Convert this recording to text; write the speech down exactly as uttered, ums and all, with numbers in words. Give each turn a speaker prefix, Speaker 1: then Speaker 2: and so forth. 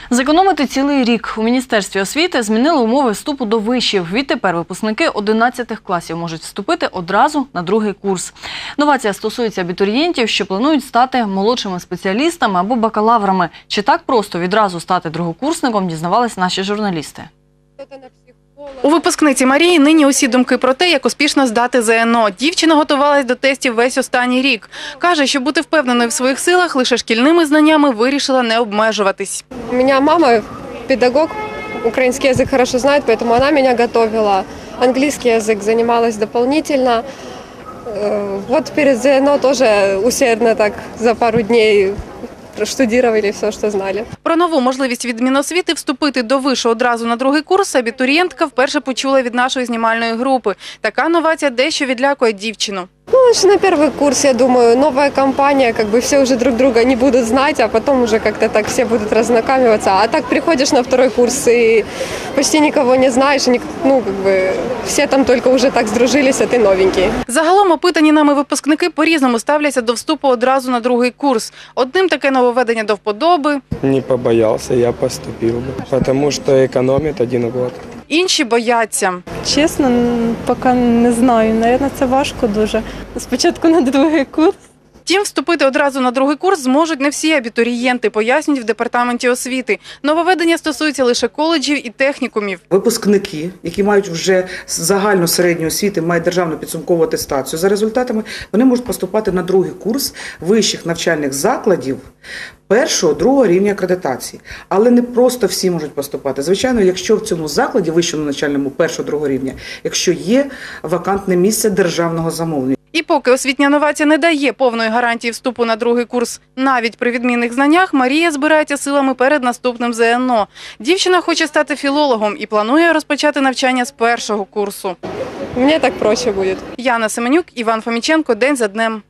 Speaker 1: Зекономити цілий рік. У Міністерстві освіти змінили умови вступу до вишів. Відтепер випускники одинадцятих класів можуть вступити одразу на другий курс. Новація стосується абітурієнтів, що планують стати молодшими спеціалістами або бакалаврами. Чи так просто відразу стати другокурсником, дізнавались наші журналісти.
Speaker 2: У випускниці Марії нині усі думки про те, як успішно здати ЗНО. Дівчина готувалась до тестів весь останній рік. Каже, щоб бути впевненою в своїх силах, лише шкільними знаннями вирішила не обмежуватись.
Speaker 3: У меня мама педагог, украинский язык хорошо знает, поэтому она меня готовила. Английский язык занималась дополнительно. Э, Вот перед ЗНО тоже усердно так за пару дней проштудировали все, что знали.
Speaker 2: Про нову можливість від Міносвіти вступити до вишу одразу на другий курс абітурієнтка вперше почула від нашої знімальної групи. Така новація дещо відлякує дівчину.
Speaker 3: Ну, аж на первый курс, я думаю, новая компания, как бы все уже друг друга не будут знать, а потом уже как-то так все будут разнакамиваться. А так приходишь на второй курс и почти никого не знаешь, и, ну, как бы все там только уже так сдружились, а ты новенький.
Speaker 2: Загалом опитані нами випускники по-різному ставляться до вступу одразу на другий курс. Одним таке нововведення до вподоби,
Speaker 4: Не побоялся, я поступил бы, потому что экономит один год.
Speaker 2: інші бояться.
Speaker 5: Чесно, поки не знаю. Навірно, це важко дуже. Спочатку на другий курс.
Speaker 2: Втім, вступити одразу на другий курс зможуть не всі абітурієнти, пояснюють в департаменті освіти. Нововведення стосується лише коледжів і технікумів.
Speaker 6: Випускники, які мають вже загальну середню освіту, мають державну підсумкову атестацію, за результатами вони можуть поступати на другий курс вищих навчальних закладів першого, другого рівня акредитації. Але не просто всі можуть поступати. Звичайно, якщо в цьому закладі, вищому навчальному першого, другого рівня, якщо є вакантне місце державного замовлення.
Speaker 2: І поки освітня новація не дає повної гарантії вступу на другий курс, навіть при відмінних знаннях, Марія збирається силами перед наступним ЗНО. Дівчина хоче стати філологом і планує розпочати навчання з першого курсу.
Speaker 3: Мне так проще будет.
Speaker 2: Яна Семенюк, Іван Фоміченко. День за днем.